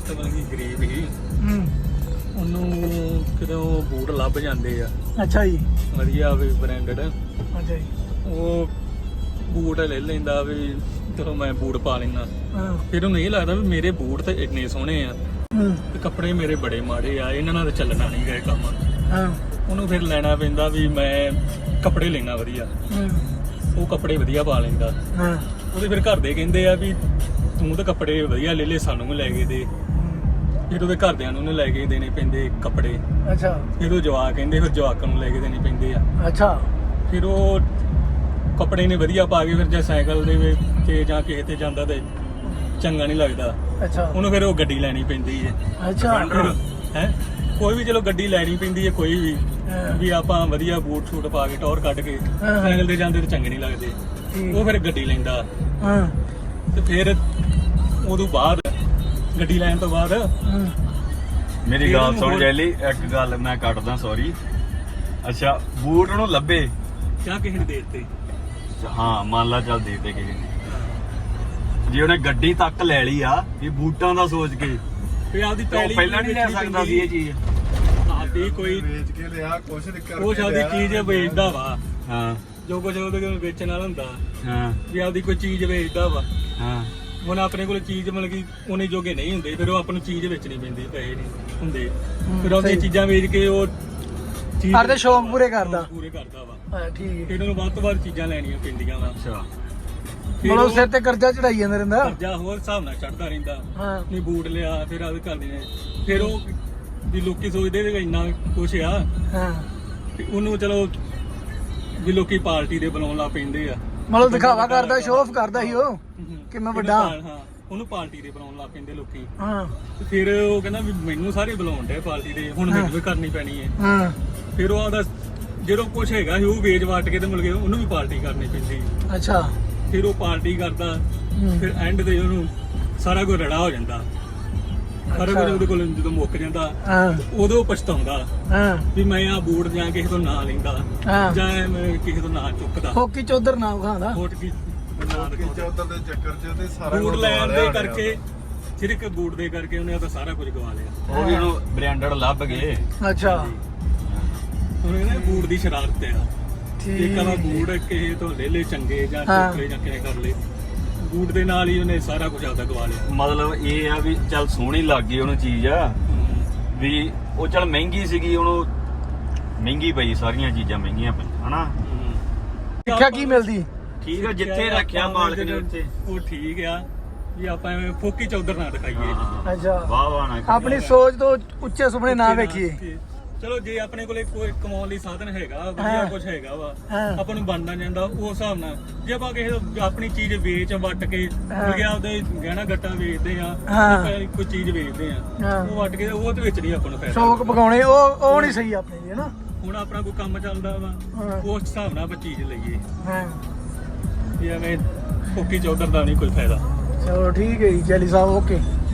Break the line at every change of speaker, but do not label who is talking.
ਦੋਸਤ ਮਤਲਬ ਕਿ ਗਰੀਬ ਹੀ ਉਹਨੂੰ ਕਿਦੋਂ ਬੂਟ ਲੱਭ ਜਾਂਦੇ ਆ।
ਅੱਛਾ ਜੀ।
ਵਧੀਆ ਵੀ ਬ੍ਰਾਂਡਡ।
ਅੱਛਾ ਜੀ।
ਉਹ ਬੂਟ ਲੈ ਲੈਂਦਾ ਵੀ ਚਲੋ ਮੈਂ ਬੂਟ ਪਾ ਲੈਂਦਾ।
ਹਾਂ।
ਫਿਰ ਉਹਨੂੰ ਇਹ ਲੱਗਦਾ ਵੀ ਮੇਰੇ ਬੂਟ ਤੇ ਇੰਨੇ ਸੋਹਣੇ ਆ ਤੇ ਕੱਪੜੇ ਮੇਰੇ ਬੜੇ ਮਾੜੇ ਆ, ਇਹਨਾਂ ਨਾਲ ਤਾਂ ਚੱਲਣਾ ਨਹੀਂ ਗਏ ਕੰਮ।
ਹਾਂ।
ਉਹਨੂੰ ਫਿਰ ਲੈਣਾ ਪੈਂਦਾ ਵੀ ਮੈਂ ਕੱਪੜੇ ਲੈਣਾ ਵਧੀਆ। ਉਹ ਕੱਪੜੇ ਵਧੀਆ ਪਾ ਲੈਂਦਾ।
ਹਾਂ।
ਉਹਦੇ ਫਿਰ ਘਰ ਦੇ ਕਹਿੰਦੇ ਆ ਵੀ ਤੂੰ ਤਾਂ ਕੱਪੜੇ ਵਧੀਆ ਲੈ ਲੈ, ਸਾਨੂੰ ਵੀ ਲੈ ਕੇ ਦੇ। ਫਿਰ ਉਹਦੇ ਘਰਦਿਆਂ ਨੂੰ ਲੈ ਕੇ ਦੇਣੇ ਪੈਂਦੇ ਕੱਪੜੇ।
ਅੱਛਾ।
ਫਿਰ ਉਹ ਜਵਾਕ ਕਹਿੰਦੇ, ਫਿਰ ਜਵਾਕਾਂ ਨੂੰ ਲੈ ਕੇ ਦੇਣੇ ਪੈਂਦੇ ਆ।
ਅੱਛਾ। ਫਿਰ
ਉਹ ਕੱਪੜੇ ਨੇ ਵਧੀਆ ਪਾ ਕੇ ਫਿਰ ਜੇ ਸਾਈਕਲ ਦੇ ਵਿੱਚ ਜਾਂ ਕਿਸੇ ਤੇ ਜਾਂਦਾ ਤੇ ਚੰਗਾ ਨਹੀਂ ਲੱਗਦਾ।
ਅੱਛਾ।
ਉਹਨੂੰ ਫਿਰ ਉਹ ਗੱਡੀ ਲੈਣੀ ਪੈਂਦੀ ਹੈ।
ਅੱਛਾ।
ਹੈ ਕੋਈ ਵੀ ਚਲੋ ਗੱਡੀ ਲੈਣੀ ਪੈਂਦੀ ਹੈ, ਕੋਈ ਵੀ ਆਪਾਂ ਵਧੀਆ ਬੂਟ ਸ਼ੂਟ ਪਾ ਕੇ ਟੌਰ ਕੱਢ ਕੇ ਸਾਈਕਲ ਤੇ ਜਾਂਦੇ ਤੇ ਚੰਗੇ ਨਹੀਂ ਲੱਗਦੇ। ਉਹ ਫਿਰ ਗੱਡੀ ਲੈਂਦਾ। ਤੇ ਫਿਰ ਉਦੋਂ ਬਾਅਦ ਗੱਡੀ ਲੈਣ ਤੋਂ ਬਾਅਦ
ਮੇਰੀ ਗੱਲ ਸੁਣ ਜੈਲੀ, ਇੱਕ ਗੱਲ ਮੈਂ ਕੱਟਦਾ, ਸੌਰੀ। ਅੱਛਾ, ਬੂਟ ਨੂੰ ਲੱਭੇ
ਕਿਆ ਕਿਸੇ ਨੇ ਦੇ ਦਿੱਤੇ?
ਹਾਂ, ਮੰਨ ਲਾ ਚੱਲ ਦੇ ਦੇ ਕਿਸੇ ਨੇ, ਜੇ ਉਹਨੇ ਗੱਡੀ ਤੱਕ ਲੈ ਲਈ ਆ ਵੀ ਬੂਟਾਂ ਦਾ ਸੋਚ ਕੇ,
ਫਿਰ ਆਪਦੀ
ਪਹਿਲਾਂ ਨਹੀਂ ਲੈ ਸਕਦਾ ਸੀ ਇਹ ਚੀਜ਼।
ਆਪਦੀ ਕੋਈ
ਵੇਚ ਕੇ ਲਿਆ ਕੁਛ
ਉਹ ਆਪਦੀ ਚੀਜ਼ ਵੇਚਦਾ ਵਾ।
ਹਾਂ।
ਜੋ ਕੁਝ ਉਹਦੇ ਕੋਲ ਵੇਚਣ ਵਾਲਾ ਹੁੰਦਾ
ਹਾਂ।
ਵੀ ਆਪਦੀ ਕੋਈ ਚੀਜ਼ ਵੇਚਦਾ ਵਾ।
ਹਾਂ।
ਹੁਣ ਆਪਣੇ ਕੋਲ ਚੀਜ਼ ਮਤਲਬ ਕਿ ਉਹਨੇ ਜੋਗੇ ਨਹੀਂ ਹੁੰਦੇ, ਫਿਰ ਉਹ ਆਪਾਂ ਨੂੰ ਚੀਜ਼ ਵੇਚਣੀ ਪੈਂਦੀ, ਪੈਸੇ ਨਹੀਂ ਹੁੰਦੇ। ਫਿਰ ਉਹਦੀਆਂ ਚੀਜ਼ਾਂ ਵੇਚ ਕੇ ਉਹ
ਹਰ ਦੇ ਸ਼ੌਂਕ ਪੂਰੇ ਕਰਦਾ
ਵਾ।
ਹਾਂ, ਠੀਕ।
ਫਿਰ ਉਹਨੂੰ ਵੱਧ ਤੋਂ ਵੱਧ ਚੀਜ਼ਾਂ ਲੈਣੀਆਂ ਪੈਂਦੀਆਂ ਵਾ।
ਅੱਛਾ।
ਮਤਲਬ ਸਿਰ ਤੇ ਕਰਜ਼ਾ ਚੜਾਈ ਜਾਂਦਾ ਰਹਿੰਦਾ।
ਕਰਜ਼ਾ ਹੋਰ ਹਿਸਾਬ ਨਾਲ ਚੜਦਾ ਰਹਿੰਦਾ।
ਹਾਂ।
ਨਹੀਂ ਬੂਟ ਲਿਆ, ਫਿਰ ਆਦੇ ਕਰਦੇ ਨੇ, ਫਿਰ ਉਹ ਵੀ ਲੋਕੀ ਸੋਚਦੇ ਵੀ ਇੰਨਾ ਕੁਛ ਆ।
ਹਾਂ।
ਤੇ ਉਹਨੂੰ ਚਲੋ ਵੀ ਲੋਕੀ ਪਾਰਟੀ ਦੇ ਬੁਲਾਉਣ ਲੱਗ ਪੈਂਦੇ ਆ।
ਮਤਲਬ ਦਿਖਾਵਾ ਕਰਦਾ, ਸ਼ੋਅ ਆਫ ਕਰਦਾ ਸੀ ਉਹ ਕਿ ਮੈਂ ਵੱਡਾ।
ਹਾਂ, ਉਹਨੂੰ ਪਾਰਟੀ ਦੇ ਬੁਲਾਉਣ ਲੱਗ ਪੈਂਦੇ ਲੋਕੀ।
ਹਾਂ।
ਤੇ ਫਿਰ ਉਹ ਕਹਿੰਦਾ ਵੀ ਮੈਨੂੰ ਸਾਰੇ ਬੁਲਾਉਣ ਡੇ ਪਾਰਟੀ ਦੇ, ਹੁਣ ਮੈਨੂੰ ਵੀ ਕਰਨੀ ਪੈਣੀ ਹੈ।
ਹਾਂ।
ਫਿਰ ਉਹ ਆਦਾ ਜਦੋਂ ਕੁਛ ਹੈਗਾ ਸੀ ਉਹ ਵੇਚ ਵਾਟ ਕੇ ਤੇ ਮਿਲ ਗਿਆ, ਉਹਨੂੰ ਵੀ ਪਾਰਟੀ ਕਰਨੀ ਪੈਂਦੀ।
ਅੱਛਾ।
ਫਿਰ ਉਹ ਪਾਰਟੀ ਕਰਦਾ, ਫਿਰ ਐਂਡ ਤੇ ਉਹਨੂੰ ਸਾਰਾ ਕੁਝ ਰੜਾ ਹੋ ਜਾਂਦਾ। ਸਾਰਾ ਕੁਝ ਉਹਦੇ ਕੋਲ ਜਦੋਂ ਮੁੱਕ ਜਾਂਦਾ ਉਦੋਂ ਪਛਤਾਉਂਦਾ ਵੀ ਮੈਂ ਆ ਬੂਟ ਜਾਂ ਕਿਸੇ ਤੋਂ ਨਾ ਲੈਂਦਾ ਜਾਂ ਮੈਂ ਕਿਸੇ ਤੋਂ ਨਾ ਚੁੱਕਦਾ।
ਫੋਕੀ ਚੌਧਰ ਨਾ ਖਾਂਦਾ।
ਫੋਕੀ
ਚੌਧਰ ਦੇ ਚੱਕਰ 'ਚ ਤੇ ਸਾਰਾ
ਬੂਟ ਲੈਣ ਦੇ ਕਰਕੇ, ਸਿਰਫ ਬੂਟ ਦੇ ਕਰਕੇ ਉਹਨੇ ਤਾਂ ਸਾਰਾ ਕੁਝ ਗਵਾ ਲਿਆ।
ਉਹ ਵੀ ਉਹਨੂੰ ਬ੍ਰਾਂਡਡ ਲੱਭ ਗਏ।
ਅੱਛਾ।
ਹੁਣ ਇਹਨੇ ਬੂਟ ਦੀ ਸ਼ਰਾਰਤ ਆ। ਇੱਕ ਵਾਰ ਬੂਟ ਕਿਸੇ ਤੋਂ ਲੈ ਲੈ ਚੰਗੇ ਜਾਂ ਟੁਕਲੇ ਜਾਂ ਕਿਵੇਂ ਕਰ ਲੈ, ਬੂਟ ਦੇ ਨਾਲ ਹੀ ਉਹਨੇ ਸਾਰਾ ਕੁਝ ਆਪਦਾ ਗਵਾ ਲਿਆ।
ਮਤਲਬ ਇਹ ਆ ਵੀ ਚੱਲ ਸੋਹਣੀ ਲੱਗ ਗਈ ਉਹਨੂੰ ਚੀਜ਼ ਆ ਵੀ, ਉਹ ਚੱਲ ਮਹਿੰਗੀ ਸੀਗੀ, ਉਹਨੂੰ ਮਹਿੰਗੀ ਪਈ, ਸਾਰੀਆਂ ਚੀਜ਼ਾਂ ਮਹਿੰਗੀਆਂ ਪਈਆਂ ਹਨਾ।
ਸਿੱਖਿਆ ਕੀ ਮਿਲਦੀ?
ਠੀਕ ਆ, ਜਿੱਥੇ ਰੱਖਿਆ ਮਾਲਕ ਨੇ ਉੱਥੇ
ਉਹ ਠੀਕ ਆ ਵੀ ਆਪਾਂ ਐਵੇਂ ਫੋਕੀ ਚੌਧਰ ਨਾ ਦਿਖਾਈਏ।
ਅੱਛਾ।
ਵਾਹ ਵਾਹ ਨਾ
ਆਪਣੀ ਸੋਚ ਤੋਂ ਉੱਚੇ ਸੁਪਨੇ ਨਾ ਵੇਖੀਏ।
ਚਲੋ ਜੇ ਆਪਣੇ ਕੋਲੇ ਕੋਈ ਕਮਾਉਣ ਲਈ ਸਾਧਨ ਹੈਗਾ, ਵਧੀਆ ਕੁਝ ਹੈਗਾ ਵਾ, ਆਪਾਂ ਨੂੰ ਬਣਨਾ ਜਾਂਦਾ ਉਸ ਹਿਸਾਬ ਨਾਲ। ਜੇ ਆਪਾਂ ਕਿਸੇ ਆਪਣੀ ਚੀਜ਼ ਵੇਚ ਵੱਟ ਕੇ ਗਿਆ, ਉਹਦੇ ਗਹਿਣਾ ਗੱਟਾ ਵੇਚਦੇ ਆ, ਕੋਈ ਚੀਜ਼ ਵੇਚਦੇ ਆ, ਉਹ ਵੱਟ ਕੇ ਉਹਦੇ ਵਿੱਚ ਨਹੀਂ ਆਪਾਂ ਨੂੰ ਫਾਇਦਾ।
ਸ਼ੌਕ ਪਕਾਉਣੇ ਉਹ ਨਹੀਂ ਸਹੀ ਆਪਣੇ ਲਈ ਹਨਾ।
ਹੁਣ ਆਪਣਾ ਕੋਈ ਕੰਮ ਚੱਲਦਾ ਵਾ, ਉਸ ਹਿਸਾਬ ਨਾਲ ਆਪਾਂ ਚੀਜ਼ ਲਈਏ।
ਹਾਂ।
ਵੀ ਐਵੇਂ ਫੋਕੀ ਚੌਧਰ ਦਾ ਨਹੀਂ ਕੋਈ ਫਾਇਦਾ।
ਚਲੋ ਠੀਕ ਹੈ ਜੀ ਜੈਲੀ ਸਾਹਿਬ, ਓਕੇ।